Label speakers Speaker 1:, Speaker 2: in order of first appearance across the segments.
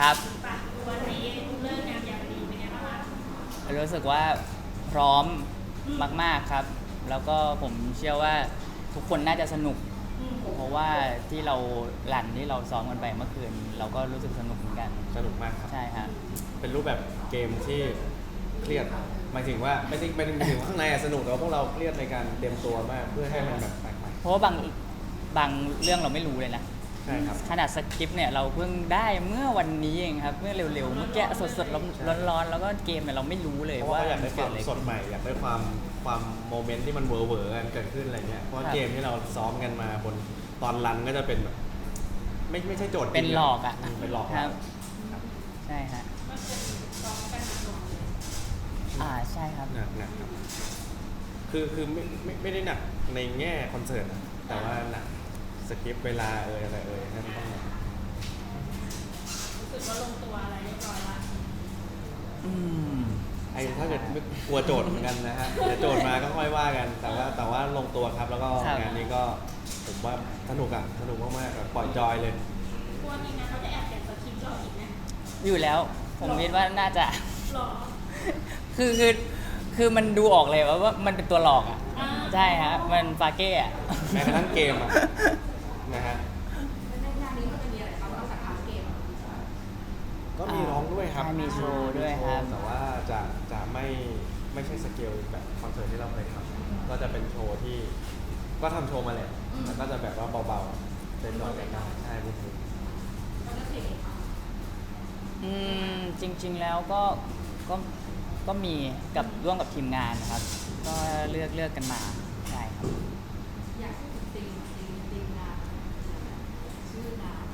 Speaker 1: ครับ
Speaker 2: วันนี้เลิกงามยามดีเป็นไงบ้างคะ
Speaker 1: รู้สึกว่าพร้อมมากๆครับแล้วก็ผมเชื่อว่าทุกคนน่าจะสนุกเพราะว่าที่เราที่เราซ้อมกันไปเมื่อคืนเราก็รู้สึกสนุกเหมือนกัน
Speaker 3: สนุกมากครับ
Speaker 1: ใช่ฮะ
Speaker 3: เป็นรูปแบบเกมที่เครียดหมายถึงว่าไม่ถึงว่าข้างในสนุกแต่ว่าพวกเราเครียดในการเตรียมตัวมากเพื่อให้มันแบบแปลกใหม่
Speaker 1: เพราะว่าบางเรื่องเราไม่รู้เลยนะ
Speaker 3: ใช่ครับ
Speaker 1: ขนาดสคริปต์เนี่ยเราเพิ่งได้เมื่อวันนี้เองครับเมื่อเร็วๆเมื่อกี้สดๆร้อนๆแล้วก็เกมเนี่ยเราไม่รู้เลยว่า
Speaker 3: อยากได้ความสด
Speaker 1: น
Speaker 3: ใหม่อยากได้ความโมเมนต์ที่มันเวอร์กันเกิดขึ้นอะไรเงี้ยเพราะเกมที่เราซ้อมกันมาบนตอนรันก็จะเป็นแบบไม่ใช่โจทย์
Speaker 1: เป็นหลอกอ่ะ
Speaker 3: เป็นหลอก
Speaker 1: ครับใช่ฮะใช่ครับ
Speaker 3: หนักครับคือไม่ได้หนักในแง่คอนเสิร์ตนะแต่ว่าหนักสคริปต์เวลาอะไรนั่นต้อง
Speaker 2: รู้สึกว่าลงตัวอะไรเรียบร้อยละ
Speaker 3: ถ้าเกิดกลัวโจทย์เหมือนกันนะฮะเดี๋ยวโจทย์มาก็ค่อยว่ากันแต่ว่าลงตัวครับแล้วก็งานนี้ก็ผมว่าสนุกมากๆปล่อยจอยเลย
Speaker 2: กลัวจริงนะเขาจะแอบเขียนสคริปต์เราอีกไหม
Speaker 1: อยู่แล้วผมคิดว่าน่าจะ
Speaker 2: หรอ
Speaker 1: คือมันดูออกเลยว่ามันเป็นตัวหลอกอ่ะใช่ฮะมันฟาเก้อะ
Speaker 3: แม้กระทั่งเกมอ่ะนะฮะ
Speaker 2: ในงานนี้มันจะมีอะไรบ้างนอกจากเกม
Speaker 3: ก็มีร้องด้วยครับ
Speaker 1: มีโชว์ด้วยครับ
Speaker 3: แต่ว่าจะไม่ใช่สเกลแบบคอนเสิร์ตที่เราเคยทำก็จะเป็นโชว์ที่ก็ทำโชว์มาแหละแต่ก็จะแบบว่าเบาๆเป็นร้อยกันได้ใช่พูดถึง
Speaker 1: จริงๆแล้วก็มีกับร่วมกับทีมงานนะครับก็เลือกกันมาใช่ครับ
Speaker 2: อยากพูดถึงทีมงานชื่องาน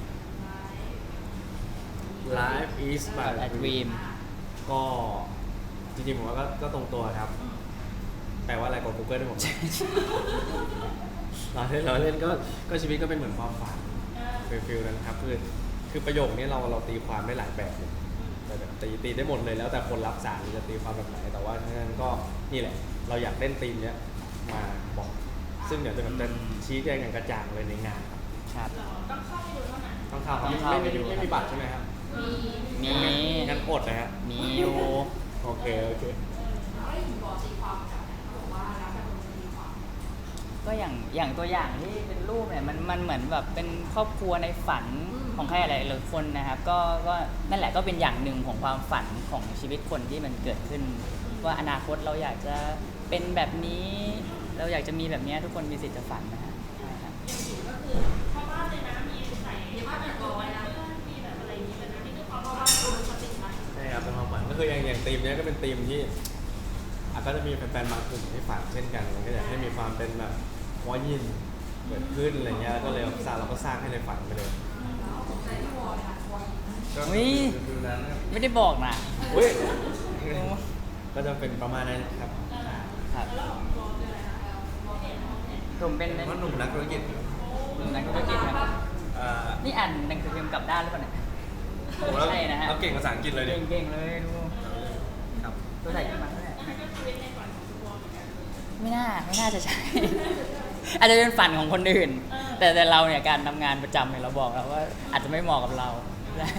Speaker 3: Life is but a dream ก็จริงๆผมว่าก็ตรงตัวครับแปลว่าอะไรกด Google ด้วยผมเราเล่นก็ชีวิตก็เป็นเหมือนความฝันฟิลนั้นครับคือประโยคนี้เราตีความได้หลายแบบเลยแต่ตีได้หมดเลยแล้วแต่คนรับสารจะตีความแบบไหนแต่ว่าฉะนั้นก็นี่แหละเราอยากเล่นธีมเนี้ยมาบอกซึ่งเดี๋ยวจะชี้แจงกันกระจ่างเลยในงาน
Speaker 1: ครับ
Speaker 2: ต้องเข้าไปดูเท่านั้น
Speaker 3: ต้องเข้าไม่มีบัตรใช่ไหมครับ
Speaker 1: มี
Speaker 3: งั้นอดนะฮะ
Speaker 1: มีอยู่
Speaker 3: โอเค
Speaker 1: ก็อย่างตัวอย่างที่เป็นรูปเนี่ยมันเหมือนแบบเป็นครอบครัวในฝันของใครหลายคนนะครับก็นั่นแหละก็เป็นอย่างหนึ่งของความฝันของชีวิตคนที่มันเกิดขึ้นว่าอนาคตเราอยากจะเป็นแบบนี้เราอยากจะมีแบบนี้ทุกคนมีสิทธิ์จะฝันนะฮะ
Speaker 2: ใช่ครับก็คือพ่อบ้านเลยนะมีใส่มีบ้านแบบร้อยนะมีแบบอะไรอย่างนี้เลยนะนี่คือความฝันของคนติดนะ
Speaker 3: ใช่ครับเป็นความฝันก็คืออย่างธีมนี้ก็เป็นธีมที่ก็จะมีแฟนๆบางกลุ่มที่ฝันเช่นกันก็อยากให้มีความเป็นแบบวอยินเกิดขึ้นอะไรเงี้ยก็เลยเราก็สร้างให้ในฝันไปเลย
Speaker 1: ไม่ได้บอกนะ
Speaker 3: ก็จะเป็นประมาณนั้นครับ
Speaker 1: ครับผมเป็น
Speaker 3: หนุ่มนักธุรกิจ
Speaker 1: ครับนี่อ่านหนังสือพิมพ์กลับด้านหรือเปล่าเนี่ยใช่นะฮะ
Speaker 3: เก่งภาษาอังกฤษเลย
Speaker 1: เก่งเลยดู
Speaker 3: ครับ
Speaker 1: ตัวใส่ขึ้นมาไม่น่าจะใช่ อาจจะเป็นฝันของคนอื่นแต่เราเนี่ยการทำงานประจำเนี่ยเราบอกแล้วว่าอาจจะไม่เหมาะกับเราใช่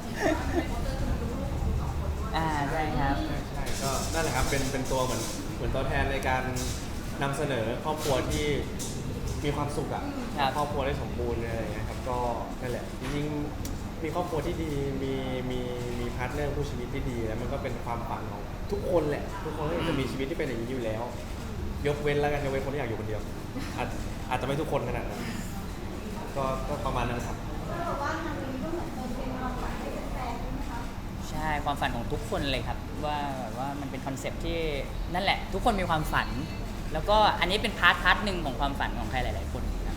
Speaker 1: ใช่ครับ
Speaker 3: ใช่ก็นั่นแหละครับเป็นตัวเหมือนตัวแทนในการนำเสนอครอบครัวที่มีความสุขอ่ะครอบครัวได้สมบูรณ์อะไรอย่างเงี้ยครับก็นั่นแหละจริงๆมีครอบครัวที่ดีมีพาร์ทเนอร์ผู้ชีวิตที่ดีแล้วมันก็เป็นความฝันของทุกคนแหละทุกคนก็จะมีชีวิตที่เป็นอย่างนี้อยู่แล้วยกเว้นคนที่อยากอยู่คนเดียวอาจจะไม่ทุกคนขนาดนั้นก็ประมาณนั้นครับ
Speaker 1: ใช่ความฝันของทุกคนเลยครับว่ามันเป็นคอนเซปต์ที่นั่นแหละทุกคนมีความฝันแล้วก็อันนี้เป็นพาร์ทหนึ่งของความฝันของใครหลายๆคนครับ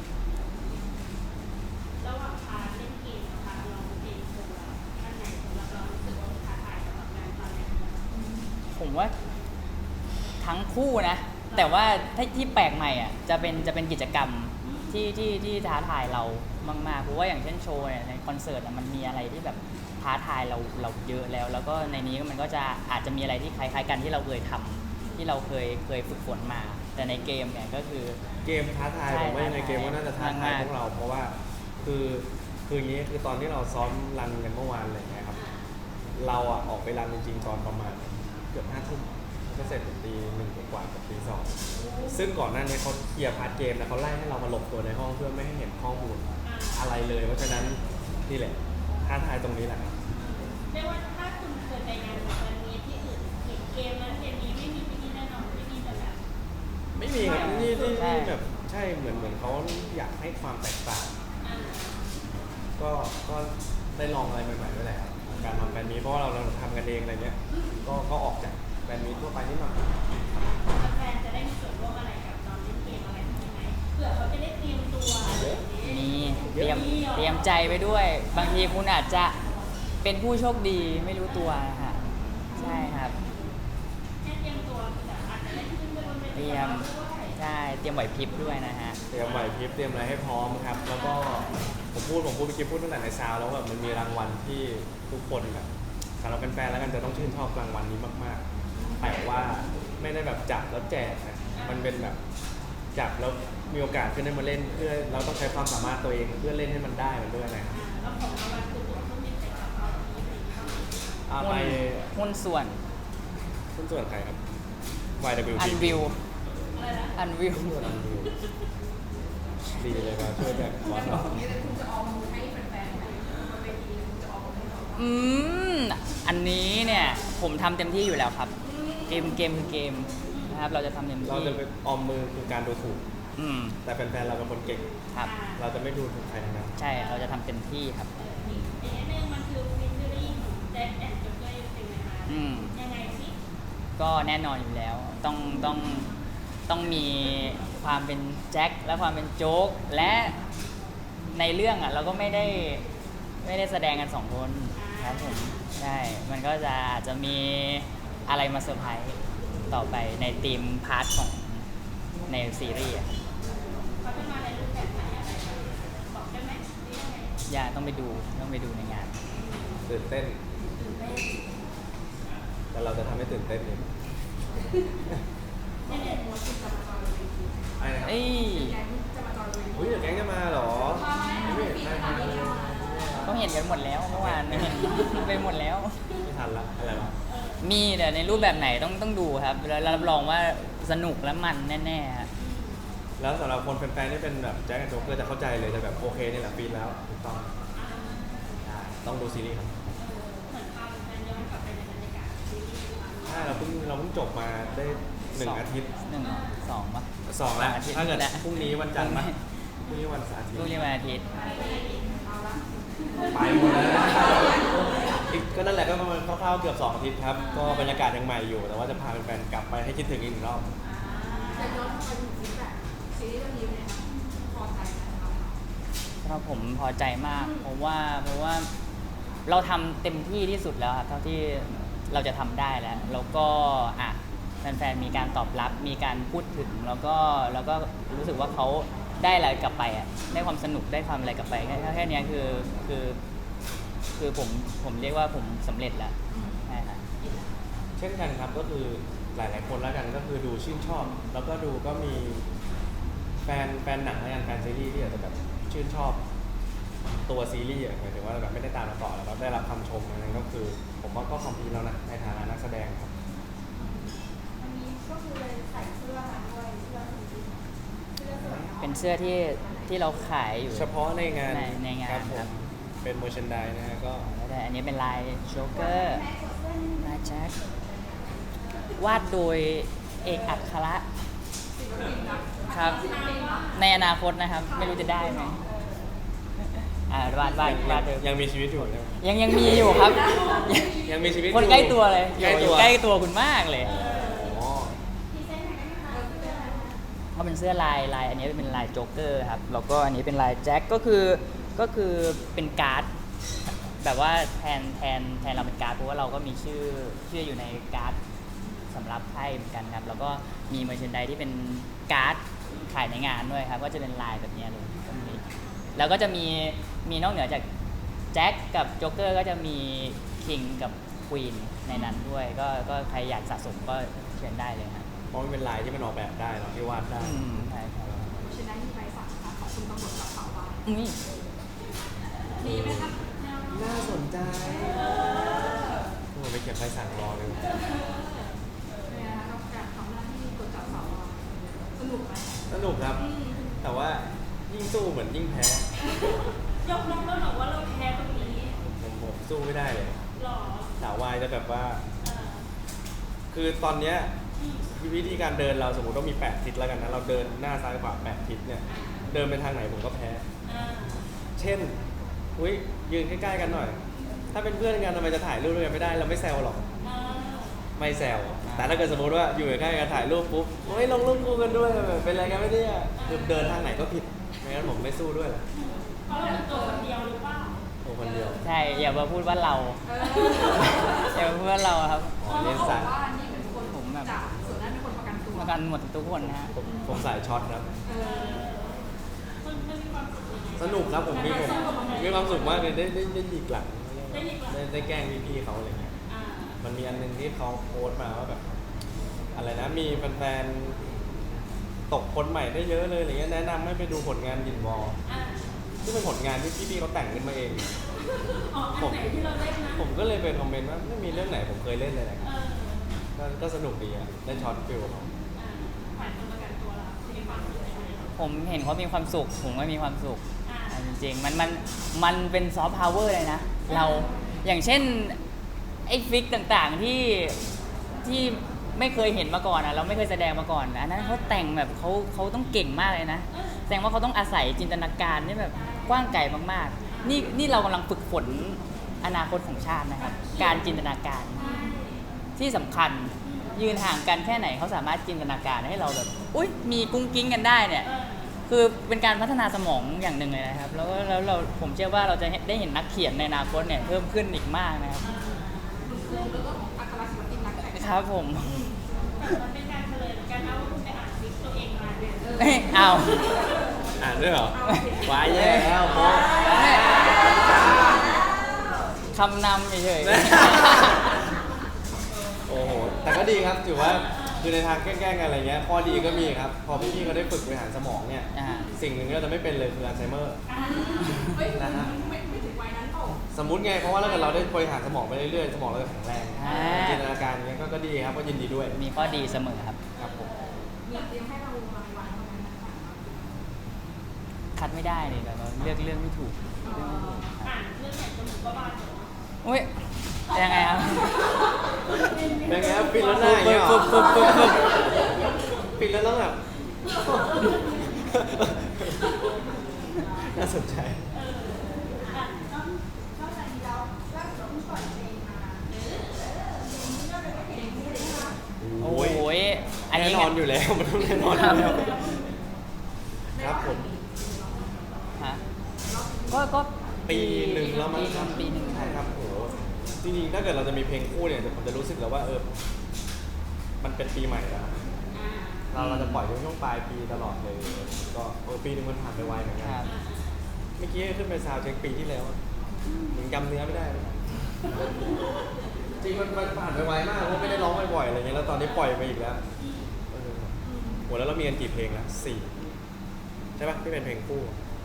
Speaker 2: ระหว่างพาร์ทเล่นเกมกับพาร์ทร้องเพลงโชว์ท่านไหนสำหรับเรารู้สึกว่าท้าทายสำหรับงานตอนนี้
Speaker 1: ผมว่าทั้งคู่นะแต่ว่าที่แปลกใหม่อ่ะจะเป็นกิจกรรมที่ท้าทายเรามากๆเพราะว่าอย่างเช่นโชว์เนี่ยในคอนเสิร์ตมันมีอะไรที่แบบท้าทายเราเยอะแล้วก็ในนี้มันก็จะอาจจะมีอะไรที่คล้ายๆกันที่เราเคยทำที่เราเคยฝึกฝนมาแต่ในเกมเนี่ยก็คือ
Speaker 3: เกมท้าทายผมว่าในเกมก็น่าจะท้าทายพวกเราเพราะว่าคือคืออย่างนี้คือตอนที่เราซ้อมรันกันเมื่อวานอะไรเงี้ยครับเราอ่ะออกไปรันจริงๆตอนประมาณเกือบ5 ทุ่มก็เสร็จตี 1 กว่ากับตี 2ซึ่งก่อนหน้านี้เขาเคลียร์พาร์ทเกมแล้วเขาไล่ให้เรามาหลบตัวในห้องเพื่อไม่ให้เห็นข้อมูลอะไรเลยเพราะฉะนั้นนี่แหละท้าทายตรงนี้แหละครับ
Speaker 2: เรียกว่าถ้าคุณเคยไปงานวันนี้ที่อื่นเห็นเกมนั้นเกมนี้ไม่มีที่นี่แน่นอนไม่มีแต่แบบ
Speaker 3: ไม่มีครับนี่
Speaker 1: ใช่
Speaker 3: แบบใช่เหมือนเขาอยากให้ความแตกต่าง
Speaker 2: อ่า
Speaker 3: ก็ได้ลองอะไรใหม่ๆด้วยแหละครับการทำแบรนด์นี้เพราะว่าเราทำกันเองอะไรเนี้ยก็ออกจากแบรนด์นี้ทั่วไปนิดหน่อย
Speaker 2: แฟนจะได้มีส่วนร่วมอะไรกับตอนเล่นเกมอะไรใช่ไหมเผื่อเขาจะได้เตรียมตัวอะไรอย่างนี้
Speaker 1: มีเตรียมใจไปด้วย บางทีคุณอาจจะเป็นผู้โชคดีไม่รู้ตัวนะฮะใช่ครับ
Speaker 2: แค่เตรียมตัวแต่อาจจะได้ขึ้นไปบนเว
Speaker 1: เต
Speaker 2: ที
Speaker 1: รียม
Speaker 2: ด้วย
Speaker 1: ใช่เตรียมไหวพริบด้วยนะฮะ
Speaker 3: เตรียมไหวพริบเตรียมอะไรให้พร้อมครับ แล้วก็ผมพูดเมื่อกี้พูดตั้งแต่ในซาวแล้วแบบมันมีรางวัลที่ทุกคนแบบสำหรับแฟนๆแล้วกันจะต้องชื่นชอบรางวัลนี้มากๆแต่ว่าไม่ได้แบบจับแล้วแจกนะมันเป็นแบบจับแล้วมีโอกาสขึ้นได้มาเล่นเพื่อเราต้องใช้ความสามารถตัวเองเพื่อเล่นให้มันได้มันด้วยนะครับ
Speaker 2: แล้วของรางวัลคือตั๋วเครื่องบินไปกลับเอาที่ไหนบ้าง
Speaker 3: เอาไป
Speaker 1: หุ้นส่วน
Speaker 3: หุ้นส่วนใครครับ YWP
Speaker 1: อันวิว
Speaker 2: อะไรนะ
Speaker 1: อันวิว
Speaker 3: หุ้นส่วน Unreal ดีเลยครับช่วยแบบบอสเรา
Speaker 1: อืมอันนี้เนี่ยผมทำเต็มที่อยู่แล้วครับ เกมคือเกมนะครับ เราจะทำเต็ม
Speaker 3: เรา
Speaker 1: ที่
Speaker 3: จะเป็นออมมือคือการดูถูก
Speaker 1: อืม
Speaker 3: แต่แฟนๆเราเป็นคนเก่ง
Speaker 1: ครับ
Speaker 3: เราจะไม่ดูถูกใครทั้งนั้น
Speaker 1: ใช่เราจะทำเต็มที่ครับ
Speaker 2: อีกนิดนึงมันคือฟิชเชอรี่ของแจ็คแอนด์จ็อกเกอร์เป็นไงคะ
Speaker 1: อืม
Speaker 2: ยังไงสิ
Speaker 1: ก็แน่นอนอยู่แล้ว ต้องมีความเป็นแจ็คและความเป็นโจ๊ก และในเรื่องอ่ะเราก็ไม่ได้แสดงกันสองคนครับผมใช่มันก็จะอาจจะมีอะไรมาเซอร์ไพรส์ต่อไปในทีมพาร์ทของในซีรีส์อะ
Speaker 2: เขาจะมาในรูปแบบไหนอะไรแบบบอกได้ไหมหรือยังไง
Speaker 1: อย่าต้องไปดูในงาน
Speaker 3: ตื่นเต้น
Speaker 2: ตื่นเต้น
Speaker 3: แต่เราจะทำให้ตื่นเต้นเอง
Speaker 2: เนี่ยเนี่ยหัวคุณจะมาจอยเลย
Speaker 3: ไอ้นะครับ
Speaker 1: เอ้ย
Speaker 2: แก๊งจะมาจอยเลย
Speaker 3: อุ้ยเดี๋ยวแก๊งจะมาเหรอไม่เห็นใครมาเลย
Speaker 1: ก็เห็นกันหมดแล้วเมื่อวาน ไปหมดแล้ว
Speaker 3: ไม่ทันละอะไรวะ
Speaker 1: มีแต่ในรูปแบบไหนต้องดูครับ แล้วรับรองว่าสนุกและมันแน่ๆฮะ
Speaker 3: แล้วสำหรับคนแฟนๆที่เป็นแบบแจ็คแอนด์โจ๊กเกอร์จะเข้าใจเลยจะแบบโอเคนี่แหละฟีนแล้วถูกต้องใช่ต้องดูซีรีส์ครับ
Speaker 2: เหมือนพาแฟนย้อนกลับไปในบรรยากาศซีรีส์
Speaker 3: ใช่เราเพิ่งจบมาได้1 อาทิตย์
Speaker 1: 1 2ป่ะ
Speaker 3: 2 แล้ว
Speaker 1: อาทิตย์
Speaker 3: ถ้าเกิด
Speaker 1: แล้ว
Speaker 3: พรุ่งนี้วันจันทร์ปะพรุ่งนี้วันเสาร์อาทิตย์
Speaker 1: ลูกเรียนวันอาทิตย์
Speaker 3: ไปหมดแล้วนะอีกก็นั่นแหละก็ประมาณคร่าวๆเกือบ2 อาทิตย์ครับก็บรรยากาศยังใหม่อยู่ แต่ว่าจะพาแฟนๆกลับไปให้คิดถึงอีก1 รอบ
Speaker 4: จะย้อนไปถึงฟีดแบ็กซีรีส์เรื่องนี้เนี่ยพอใจไหมสำหรับเรา
Speaker 1: สำหรับผมพอใจมากเพราะว่าเราทำเต็มที่ที่สุดแล้วครับเท่าที่เราจะทำได้แล้วแล้วก็อ่ะแฟนๆมีการตอบรับมีการพูดถึงแล้วก็รู้สึกว่าเขาได้อะไรกลับไปอ่ะได้ความสนุกได้ความอะไรกลับไปแค่เนี้ยคือผมเรียกว่าผมสำเร็จแล้วใช่ครับ
Speaker 3: เช่นกันครับก็คือหลายๆคนแล้วกันก็คือดูชื่นชอบ แล้วก็ดูก็มีแฟนหนังแล้วกันแฟนซีรีส์ที่อาจจะแบบชื่นชอบตัวซีรีส์อะหมายถึงว่าแบบไม่ได้ตามมาต่อแล้วก็ได้รับคำชมนั้นก็คือ ผมว่าก็คอมพลีทแล้วนะในฐานะนักแสดงครับ
Speaker 4: วันนี้ก็คือเลยใส่เสื้อมาด้วยเสื้อสีเสื้อสวยเนาะ
Speaker 1: เป็นเสื้อที่เราขายอยู่
Speaker 3: เฉพาะในงาน
Speaker 1: ในงาน
Speaker 3: ครับผ
Speaker 1: ครั
Speaker 3: ม
Speaker 1: บ
Speaker 3: เป็นโมชันไดนะฮะก็
Speaker 1: แล้วแต่อันนี้เป็นลายโจ๊กเกอร์ลายแจ็ควาดโดยเอกอัคระครับ ในอนาคตนะครับ ไม่รู้จะได้ไหมวาดโดย
Speaker 3: ยังมีชีวิตอยู่นะ
Speaker 1: ยังมีอยู่ครับ
Speaker 3: ยังมีชีวิต
Speaker 1: คน
Speaker 3: อยู่
Speaker 1: ใกล้ตัวเลย
Speaker 3: ใกล้ตัว
Speaker 1: ใกล้ตัวคุณมากเลย
Speaker 3: อ๋อ
Speaker 1: เขาเป็นเสื้อลายอันนี้เป็นลายโจ๊กเกอร์ครับแล้วก็อันนี้เป็นลายแจ็คก็คือเป็นการ์ดแบบว่าแทนเราเป็นการ์ดเพราะว่าเราก็มีชื่ออยู่ในการ์ดสำหรับไพ่เหมือนกันครับแล้วก็มีเมอร์เชนไดที่เป็นการ์ดขายในงานด้วยครับก็จะเป็นลายแบบนี้เลยตรงนี้แล้วก็จะมีนอกเหนือจากแจ็คกับโจ๊กเกอร์ก็จะมีคิงกับควีนในนั้นด้วยก็ใครอยากสะสมก็เชิญได้เลยครับ
Speaker 3: เพราะมันเป็นลายที่มันออกแบบได้เนาะที่วาดได้
Speaker 1: ใช่ครับ
Speaker 4: ฉะนั้นมีใบสั่งนะคะขอบคุณตำรวจกับเผาไว้
Speaker 1: อุ้ย
Speaker 2: ดีไหมครับแนว
Speaker 3: น่าสนใจผมไปเก็บใบสั่งรอเลย
Speaker 4: เป็นไงคะกับการทำหน้าที่กดจับเสาอะสนุกไหม
Speaker 3: สนุกครับ แต่ว่ายิ่งสู้เหมือนยิ่งแพ้
Speaker 2: ยกน้องแล้วหรอว่าเราแพ้ตรงนี้
Speaker 3: ผมสู้ไม่ได้เลย
Speaker 2: หรอ
Speaker 3: สาววายจะแบบว่า
Speaker 2: เออ
Speaker 3: คือตอนเนี้ยวิธีการเดินเราสมมติว่ามี8ทิศแล้วกันนะเราเดินหน้าซ้ายขวา8ทิศเนี่ยเดินไปทางไหนผมก็แพ้
Speaker 2: อ่า
Speaker 3: เช่นอุ้ยยืนใกล้ๆกันหน่อย ถ้าเป็นเพื่อนกันทำไมจะถ่ายรูปด้วยกันไม่ได้เราไม่แซวหรอก
Speaker 2: อ่า
Speaker 3: ไม่แซวแต่ถ้าเกิดสมมติว่าอยู่ใกล้ๆกันถ่ายรูปปุ๊บเฮ้ยลงรูปคู่กันด้วยแบบเป็นอะไรกันไม่ได้คือเดินทางไหนก็ผิดไม่งั้นผมไม่สู้ด้วยแหละ
Speaker 2: เพราะเราเป็นตัวคนเดียวหรือเปล่า
Speaker 3: ตัวคนเดียว
Speaker 1: ใช่อย่ามาพูดว่าเรา อย่ามาพูดว่าเราครับ
Speaker 3: อ๋อเล่นสาย
Speaker 4: ว่านี่เป็นคน
Speaker 1: ผมแบบ
Speaker 4: จับส่วนนั้นเป็นคนประกันตัว
Speaker 1: มากันหมดทุกคนนะฮะ
Speaker 3: ผมสายช็อตครับ
Speaker 2: มันมีความสุขยังไง
Speaker 3: สนุกครับผมมีความสุขมากเลยได้หยิกหลัง
Speaker 2: ได้หยิกหลัง
Speaker 3: ได้แกล้งพี่ๆเขาอะไรเงี้ย
Speaker 2: อ่า
Speaker 3: มันมีอันหนึงที่เขาโพสต์มาว่าแบบ อะไรนะมีแฟนๆตกคนใหม่ได้เยอะเลยอะไรเงี้ยแนะนำให้ไปดูผลงานยินวอล
Speaker 2: อ่า
Speaker 3: ที่เป็นผลงานที่พี่ๆเขาแต่งขึ้นมาเอง
Speaker 2: อ๋ออันไหนที่เราเล่นนะ
Speaker 3: ผมก็เลยไปคอมเมนต์ว่าไม่มีเรื่องไหนผมเคยเล่นเลยนะ
Speaker 2: เออ
Speaker 3: ก็สนุกดีอ่ะได้ช็อตฟิลเขา
Speaker 2: อ่าฝ่ายคนประกันตัวเรามีความสุขยังไง
Speaker 1: ผมเห็นเขามีความสุข ผมก็มีความสุข
Speaker 2: อ่า
Speaker 1: อ่ะจริงๆมันเป็นซอฟต์พาวเวอร์เลยนะ เราอย่างเช่นไอ้ฟิกต่างๆที่ไม่เคยเห็นมาก่อนอ่ะเราไม่เคยแสดงมาก่อนนะอันนั้นเขาแต่งแบบเขาต้องเก่งมากเลยนะแสดงว่าเขาต้องอาศัยจินตนาการที่แบบกว้างไกลมากๆนี่เรากำลังฝึกฝนอนาคตของชาตินะครับ การจินตนาการที่สำคัญยืนห่างกันแค่ไหนเขาสามารถจินตนาการให้เราแบบอุ้ยมีกุ้งกิ้งกันได้เนี่ย คือเป็นการพัฒนาสมองอย่างหนึ่งเลยนะครับ แล้วเราผมเชื่อว่าเราจะได้เห็นนักเขียนในอนาคตเนี่ยเพิ่มขึ้นอีกมากนะครับ
Speaker 4: แล้วก็อัครศิลปินนักแต่ง
Speaker 1: ครับผม
Speaker 2: มันเป็นการเฉลยเหมือนกันนะว่าคุณไปอ่านฟิกตัวเองมาเนี่ย
Speaker 1: เอ้ยเอา
Speaker 3: อ่านด้วยเหรอวายแย่แล้วโพส
Speaker 1: คำนำเฉย
Speaker 3: โอ้โหแต่ก็ดีครับถือว่าคือในทางแกล้งๆกันอะไรเงี้ยข้อดีก็มีครับพอพี่ๆเขาได้ฝึกบริหารสมองเนี่ย
Speaker 1: ๆอ่า
Speaker 3: สิ่งหนึ่งที่เราจะไม่เป็นเลยคืออัลไซเมอร์
Speaker 4: เฮ้ย
Speaker 3: นะฮะ
Speaker 4: ไม่ถึงวัยนั้นเปล่า
Speaker 3: สมมุติไงเพราะว่าถ้าเกิดเราได้บริหารสมองไปเรื่อยๆสมองเราจะแข็งแรง
Speaker 1: อ่า
Speaker 3: จินตนาการเงี้ยก็ดีครับก็ยินดีด้วย
Speaker 1: มีข้อดีเสมอครับ
Speaker 3: ครับผม
Speaker 4: มีเตรียมให้เรารางวัลประมาณนั้นค่ะ
Speaker 1: คัดไม่ได้เลยแบบว่าเลือกเรื่องไม่ถูกเรื่องไม่ถูกครับ
Speaker 2: อ่านเรื่องไหนจนถึงก็บ้านเหรอ
Speaker 1: อุ้ยยังไงครับ
Speaker 3: เป็นไงครับปิดแล้วหน้าอย่างเงี้ยเหรอ
Speaker 1: ปึ๊บปึ๊บ
Speaker 3: ปิดแล้วต้องแบบ น่าสนใจ
Speaker 2: อ่ะต้อง
Speaker 4: นอกจากนี้แล้วล่าสุดเพิ่งปล่อยเพลงมาเพลงนี้ก็เป็นเพลงคู่เลยนะคะ
Speaker 1: โอ้ยอันนี้
Speaker 3: แน่นอนอยู่แล้ว มันต้องแน่นอนอยู่แล้วครับผม
Speaker 1: ฮะก็
Speaker 3: ปีหนึ่งแล้วมั้งครับ
Speaker 1: ปีหนึ่ง
Speaker 3: ใช่ครับโอ้โหจริงๆถ้าเกิดเราจะมีเพลงคู่เนี่ยผมจะรู้สึกแล้วว่ามันเป็นปีใหม่แล้ว เราจะปล่อยช่วงปลายปีตลอดเลย ก็ปีหนึงมันผ่านไปไวเหมือนกั
Speaker 1: คน รับ
Speaker 3: เมื่อกี้ขึ้นไปซาวด์เช็คปีที่แล้วอะยังจำเนื้อไม่ได้เลยจริงมันผ่านไปไวมากเพราะไม่ได้ร้องบ่อยๆอะไรเงี้ยแล้วตอนนี้ปล่อยไปอีกแล้วโหแล้วเรามีกันกี่เพลงแล้ว4ใช่ปะที่เป็นเพลงคู่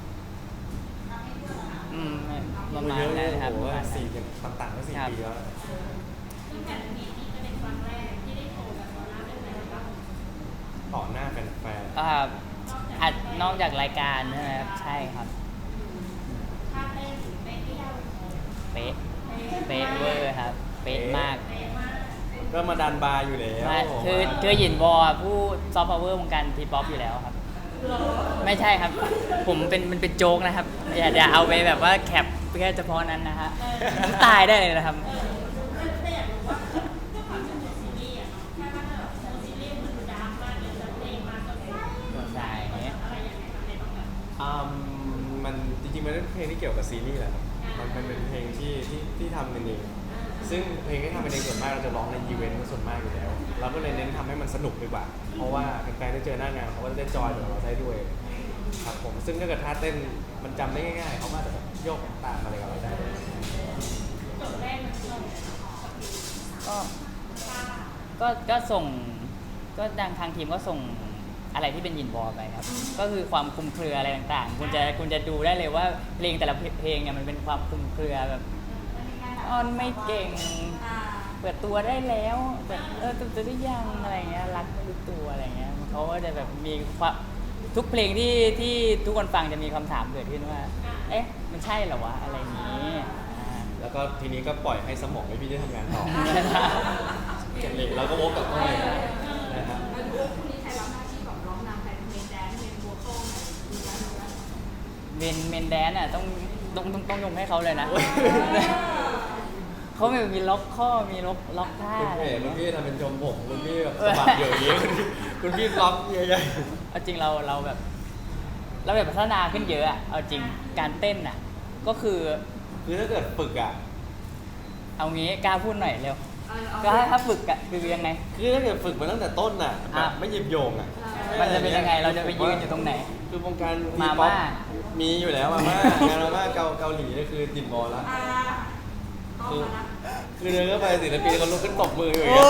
Speaker 1: ประมาณ
Speaker 3: เยอะเล
Speaker 1: นั้
Speaker 3: ย
Speaker 1: นครับ
Speaker 3: โอ้
Speaker 1: ป
Speaker 3: โห
Speaker 1: ระมาณนั้น
Speaker 3: สี่ต่างๆก็4 ปีแล้ว
Speaker 2: ซึ่งแต่นี้นี่จะเป็นครั้งแรกที่ได้โชว์แบบตอนหน้าเป็นอะไรบ้าง
Speaker 3: ต่อหน้าแฟน
Speaker 1: อัดนอกจากรายการใช่ไหมครับใช่ครับ
Speaker 2: ท่าเต้นเป๊ะที่เรา
Speaker 1: เป๊ะเป๊ะเวอร์ครับ เป๊ะมาก
Speaker 2: เป๊ะมาก
Speaker 3: ๆก็มาดันบาร์อยู่แล้ว
Speaker 1: ไม่คือหยินวอผู้ซอฟต์พาวเวอร์วงการทีป๊อปอยู่แล้วครับ ไม่ใช่ครับ ผมมันเป็นโจ๊กนะครับ อย่าเอาไปแบบว่าแคปแค่เฉพาะนั้นนะฮะน้ำตายได้เลยนะครับ
Speaker 2: แต่อยากรู้ว่าด้วยความที่เป็นซีรีส์อะเนาะถ้าแบบซีรีส์มันดาร์กมากเลยแล้วเพลงมาก็ใส่
Speaker 1: ใช่
Speaker 2: อะไรอย่างเงี้ยในต้องแบบ
Speaker 3: มันจริงๆมันเป็นเพลงที่เกี่ยวกับซีรีส์แหละครับมันเป็นเพลงที่ทำกันเองซึ่งเพลงที่ทำกันเองส่วนมากเราจะร้องในอีเวนต์ส่วนมากอยู่แล้วเราก็เลยเน้นทำให้มันสนุกดีกว่า เพราะว่าแฟนๆได้เจอหน้างานเขาก็จะได้จอยกับเราได้ด้วยครับผมซึ่งถ้าเกิดท่าเต้นมันจำได้ง่ายๆเขาก็จะแบบโยกตามอะไรกับเราได้
Speaker 2: จบแรกมันลง
Speaker 1: ก็
Speaker 2: ป้า
Speaker 1: ก็ส่งก็ทางทีมก็ส่งอะไรที่เป็นยินบอลไปครับ ก็คือความคลุมเครืออะไรต่างๆ คุณจะดูได้เลยว่าเพลงแต่ละเพลงเนี่ยมันเป็นความคลุมเครือแบบอ้อนไม่เก่ง เปิดตัวได้แล้วแบบตัวได้ยังอะไรเงี้ยรักไม่รู้ตัวอะไรเงี้ยเขาก็จะแบบมีความทุกเพลงที่ทุกคนฟังจะมีคำถามเกิดขึ้นว่า เอ๊ะมันใช่เหรอวะอะไรอย่างนี้อ่า
Speaker 3: แล้วก็ทีนี้ก็ปล่อยให้สมองให้พี่ได้ทำงานต่อเราก็วกกลับเข้าไปนะครับ
Speaker 4: แล้วดูคู่นี้ใครรับหน้าที่แบบร้องนำใครเป็นเมนแดนซ์เมนโวคอลไหนดูแลดูแล
Speaker 1: เมนแดนอ่ะต้องยกให้เขาเลยนะ เขามีล็อกข้อมีล็อกท่า
Speaker 3: คุณ
Speaker 1: อะไร
Speaker 3: พี่
Speaker 1: อย่าง
Speaker 3: คุณ
Speaker 1: เงี้ย
Speaker 3: พี่ทำเป็นชมผมคุณพี่แบบสะบัดอยู่อย่างนี้คุณพี่ล็อกใหญ่
Speaker 1: เอาจริงเราแบบพัฒนาขึ้นเยอะอะเอาจริงการเต้นอ่ะก็คือ
Speaker 3: ๆคือถ้าเกิดฝึกอ่ะ
Speaker 1: เอางี้กล้าพูดหน่อยเร็ว
Speaker 4: เอา
Speaker 1: ก็ถ้าฝึกอ่ะคือยังไง
Speaker 3: คือถ้าเกิดฝึกมาตั้งแต่ต้นน่ะแบบไม่หยิบโยงอ่ะ
Speaker 1: มันจะเป็นยังไงเราจะไปยืนอยู่ตรงไหน
Speaker 3: คือวงการ
Speaker 1: มา
Speaker 3: ป๊อป
Speaker 1: ม่า
Speaker 3: มีอยู่แล้วมาม่างานมาม่าเกาหลีนี่คือติดบอลแล้ว
Speaker 4: ต้องมานะ
Speaker 3: คือเดินเข้าไปศิลปินเขาลุกขึ้นตบมืออยู่อย่างเงี้ย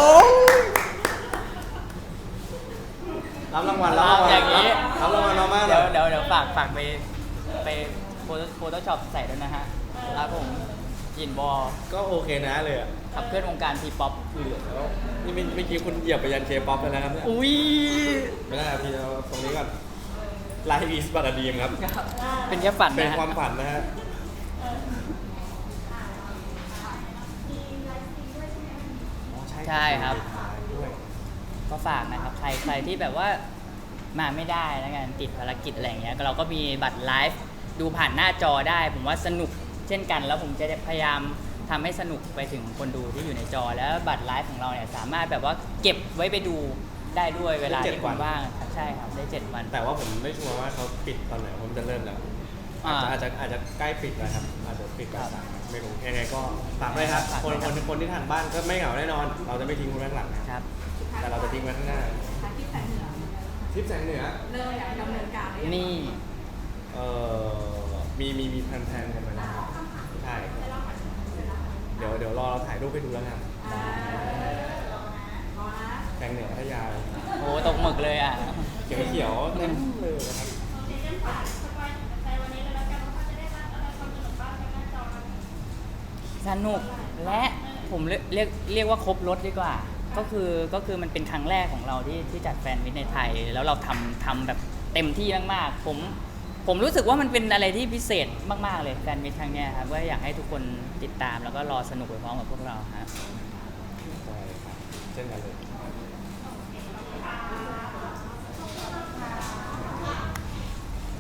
Speaker 3: รับรางวัลรับรางวัล
Speaker 1: อย่างนี้
Speaker 3: รับรางวัลมาม่า
Speaker 1: เดี๋ยวฝากไปโฟโต้ช็อปใส่ด้วยนะฮะครับผมยินบอล
Speaker 3: ก็โอเคนะเลยอ่ะ
Speaker 1: ขับเคลื่อนวงการทีป๊อป
Speaker 3: คือแล้วนี่เมื่อกี้คุณเหยียบไปยันเคป๊อปไปแล้วครับเนี่ย
Speaker 1: อุ้ย
Speaker 3: ไม่ได้ครับพี่เอาตรงนี้ก่อนไลฟ์อีสบัตดีมครับ
Speaker 1: เป็นแค่ฝัน
Speaker 3: เป็น
Speaker 1: นะฮะ
Speaker 3: ความฝันนะฮะ
Speaker 4: มีไลฟ์สตรีมด้วยใช่ไหม
Speaker 3: อ๋อ
Speaker 1: ใช่ครับ
Speaker 3: ด้วย
Speaker 1: ก็ฝากนะครับใครที่แบบว่ามาไม่ได้แล้วกันติดภารกิจอะไรอย่างเงี้ยก็เราก็มีบัตรไลฟ์ดูผ่านหน้าจอได้ ผมว่าสนุกเช่นกัน แล้วผมจะพยายามทำให้สนุกไปถึงคนดูที่อยู่ในจอ แล้วบัตรไลฟ์ของเราเนี่ยสามารถแบบว่าเก็บไว้ไปดูได้ด้วยเวลาที่คุณว่างครับใช่ครับได้ 7 วัน
Speaker 3: แต่ว่าผมไม่ชัวร์ว่าเขาปิดตอนไหนผมจะเริ่มแล้ว อาจจะใกล้ปิดแล้วครับอาจจะปิดแล้วไม่รู้ยังไงก็ฝากด้วยครับคนที่ทานบ้านก็ไม่เหงาแน่นอน เราจะไม่ทิ้งคุณไว้ข้างหลังนะครับ แต่เราจะทิ้งไว้ข้างหน้า
Speaker 4: ทางที่แสงเหนือ
Speaker 3: ทริปแสงเหนือ
Speaker 4: เริ่มอยากดำเนินการหรือยัง
Speaker 1: นี่
Speaker 3: มีแพลนกันไปแล้วครับใช่เดี๋ยวรอเราถ่ายรูปให้ดูแล้วกัน
Speaker 4: รอนะ
Speaker 3: แสงเหนือพัทยา
Speaker 1: โอ้ตกหมึกเลยอ่ะ
Speaker 3: เขียวๆเต็มเลยนะครับ
Speaker 2: โอเคงั้นฝากสปอยถึงใจวันนี้เลยแล้วกันว่าเขาจะได้รับอะไรความสนุกบ้างทางหน้าจอนั้น
Speaker 1: สนุกและผมเรียกว่าครบรถดีกว่า ก็คือมันเป็นครั้งแรกของเราที่จัดแฟนมิตในไทย แล้วเราทำแบบเต็มที่มากๆผมรู้สึกว่ามันเป็นอะไรที่พิเศษมากๆเลยแฟนมิตครั้งเนี้ยครับก็อยากให้ทุกคนติดตามแล้วก็รอสนุกไปพร้อมกับพวกเราครับ
Speaker 3: ใช่ครับเช่นกันเลย